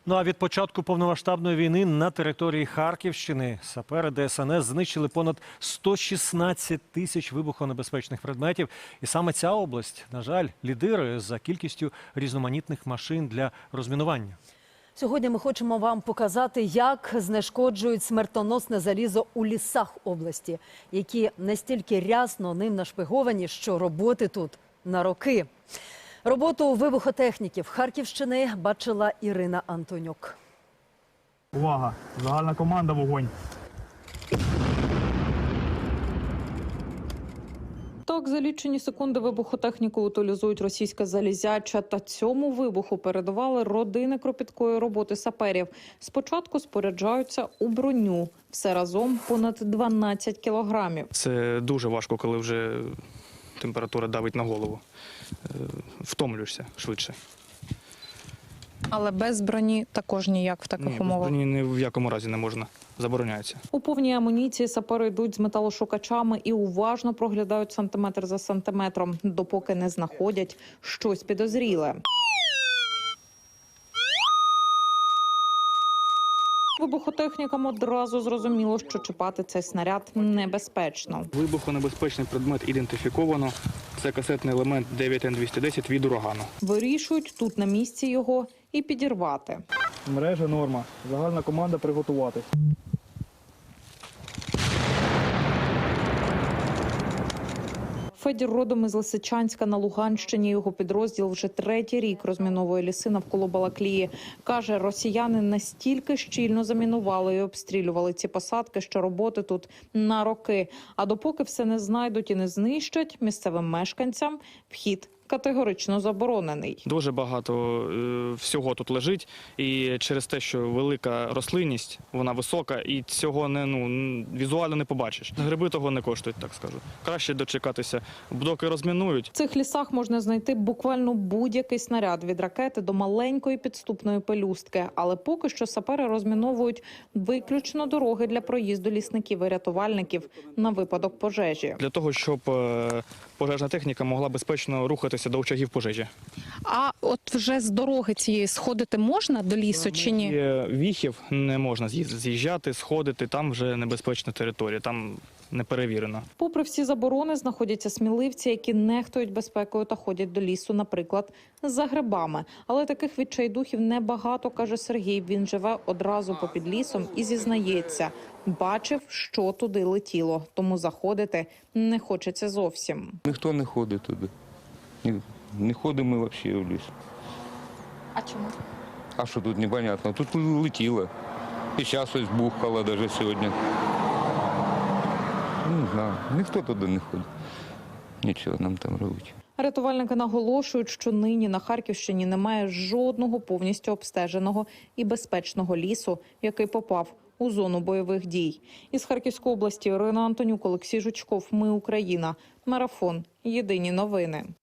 Ну а від початку повномасштабної війни на території Харківщини сапери ДСНС знищили понад 116 тисяч вибухонебезпечних предметів. І саме ця область, на жаль, лідирує за кількістю різноманітних машин для розмінування. Сьогодні ми хочемо вам показати, як знешкоджують смертоносне залізо у лісах області, які настільки рясно ним нашпиговані, що роботи тут на роки. Роботу вибухотехніків Харківщини бачила Ірина Антонюк. Увага! Загальна команда, вогонь! Так, за лічені секунди вибухотехніку утилізують російське залізяча. Та цьому вибуху передавали родини кропіткої роботи саперів. Спочатку споряджаються у броню. Все разом понад 12 кілограмів. Це дуже важко, коли вже температура давить на голову. Втомлюєшся швидше. Але без броні також ніяк в таких умовах? Без броні ні в якому разі не можна. Забороняється. У повній амуніції сапери йдуть з металошукачами і уважно проглядають сантиметр за сантиметром, допоки не знаходять щось підозріле. Вибухотехнікам одразу зрозуміло, що чіпати цей снаряд небезпечно. Вибухонебезпечний предмет ідентифіковано. Це касетний елемент 9Н210 від урагану. Вирішують тут на місці його і підірвати. Мережа норма. Загальна команда приготуватись. Федір родом із Лисичанська на Луганщині. Його підрозділ вже третій рік розміновує ліси навколо Балаклії. Каже, росіяни настільки щільно замінували і обстрілювали ці посадки, що роботи тут на роки. А допоки все не знайдуть і не знищать, місцевим мешканцям вхід категорично заборонений. Дуже багато всього тут лежить. І через те, що велика рослинність, вона висока, і цього візуально не побачиш. Гриби того не коштують, так скажу. Краще дочекатися, доки розмінують. В цих лісах можна знайти буквально будь-який снаряд від ракети до маленької підступної пелюстки. Але поки що сапери розміновують виключно дороги для проїзду лісників і рятувальників на випадок пожежі. Для того, щоб пожежна техніка могла безпечно рухатися до очагів пожежі. А от вже з дороги цієї сходити можна до лісу чи ні? Віхів не можна з'їжджати, сходити, там вже небезпечна територія, там не перевірено. Попри всі заборони, знаходяться сміливці, які нехтують безпекою та ходять до лісу, наприклад, за грибами. Але таких відчайдухів небагато, каже Сергій. Він живе одразу попід лісом і зізнається, бачив, що туди летіло, тому заходити не хочеться зовсім. Ніхто не ходить туди. Не ходимо ми взагалі в ліс. А чому? А що тут непонятно? Тут летіло. І зараз ось бухало навіть сьогодні. Не знаю, ніхто туди не ходить. Нічого нам там робити. Рятувальники наголошують, що нині на Харківщині немає жодного повністю обстеженого і безпечного лісу, який попав у зону бойових дій. Із Харківської області Ірина Антонюк, Олексій Жучков. Ми Україна. Марафон. Єдині новини.